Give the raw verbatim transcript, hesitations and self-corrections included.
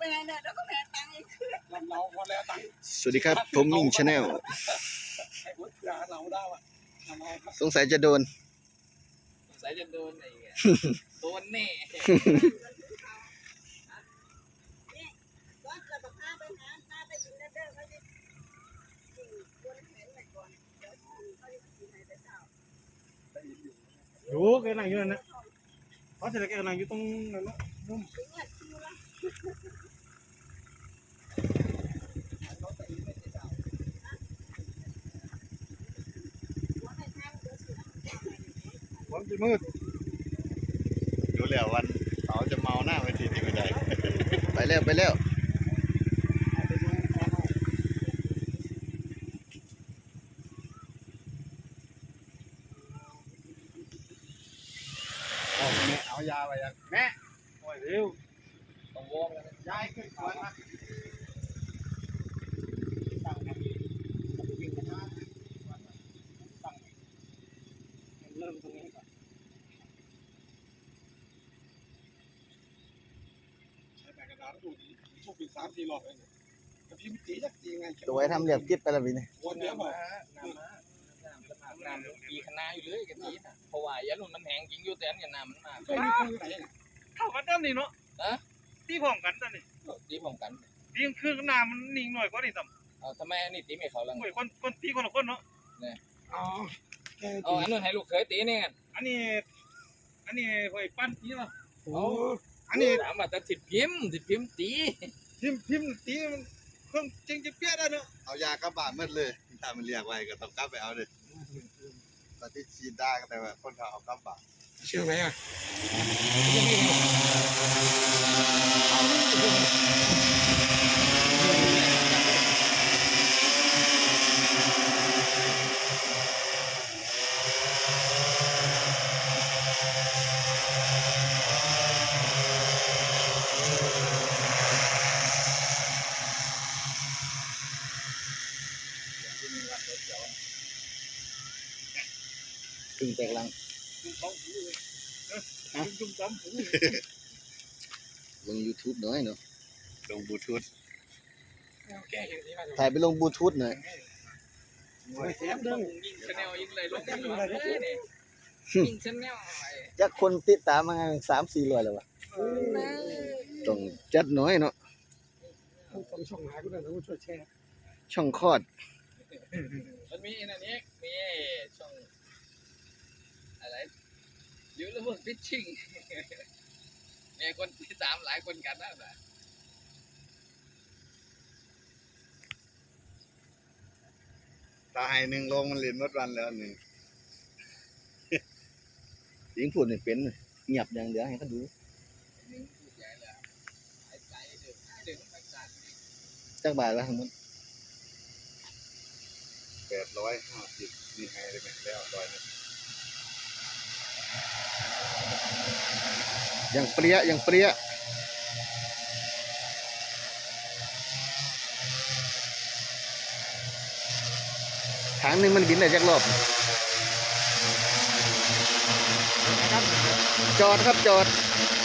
ไปไหนเนี่ยแล้วก็แม่ตังค์อีกเราพอแล้วตังค์สวัสดีครับผมมิ่งชาแนลไอ้พุทธาเราได้ว่ะสงสัยจะโดนสงสัยจะโดนไอ้โดนแน่อยู่แกนั่งอยู่นั่นนะเพราะเสร็จแล้วแกนั่งอยู่ตรงนั้นนะนุ่มวันที่มืดรู้แล้ววันเขาจะเมาหน้าไปทีนี้ไม่ได้ ไปแล้วไปแล้วแม่เอายาไปยังแม่โอ้ยเร็วต้องวอร์มแล้วยายขึ้นก่อนนะตั้งนะวิ่งกันนะตั้งเริ่มตรงนี้ก่อนใช้แบกกระดาษดูดีโชคดีสามสี่รอบเองแต่พี่มิติจักจริงไงตัวไอ้ทำเรียบกิ๊บไปแล้วพี่เนี่ยวนเนี้ยบอกน้ำมาน้ำปีคณะอยู่เลยกะทิน่ะเพราะว่ายันมันแห้งจริงอยู่แต่อันเนี่ยน้ำมันมากเคยมีคนอยู่ไหนเข้ากันด้านนี้เนาะฮะตีพร้อมกันด้านนี้ตีพร้อมกันตีคือน้ำมันนิ่งหน่อยกว่านี่ต่ำเอาทำไมอันนี้ตีไม่เขาลังโอ้ยคนคนตีคนละคนเนาะเนี่ยอ๋อเอาอันนู้นให้ลูกเคยตีนี่กันอันนี้อันนี้โอ้ยปั้นตีเนาะโอ้อันนี้ถามว่าแต่ติดพิมพ์ติดพิมพ์ตีพิมพ์พิมพ์ตีมันเครื่องจริงจะเปี้ยได้เนาะเอายากระบาดมืดเลยถ้ามันเรียกไว้ก็ต้องกลับไปเอาเลยตอนที่ชีดได้แต่ว่าคนเขาเอากระบาดเชื่อไหมอ่ะตึงแตกลังจุ่มต้มลง ยูทูบ หน่อยเนาะลงบลูทูธแกเห็นที่มาถ่ายไปลงบลูทูธหน่อยเสียบดึงยิงชาแนลยิงเลยลงเลยยิงชาแนลจักคนติดตามมาสามสี่ร้อยแล้ววะต้องจัดหน่อยเนาะต้องช่องหากูหน่อยนะกูช่วยแชร์ช่องคลอดมันมีอันนี้มีช่องอะไรยูทูบฟิชชิ่งเนี่ยคนที่ตามหลายคนกันนะแบบตาให้หนึ่งลงมันเรียนมดวันแล้วหนึ่งยิงพูดไม่เป็นเงียบอย่างเดียวให้เขาดูจักบาทละทั้งหมดแปดร้อยห้าสิบนี่ให้ได้ไหมแล้วร้อยนึงอย่างเปรี้ยอย่างเปรี้ยทางหนึ่งมันบินได้จักรอบจอดครับจอด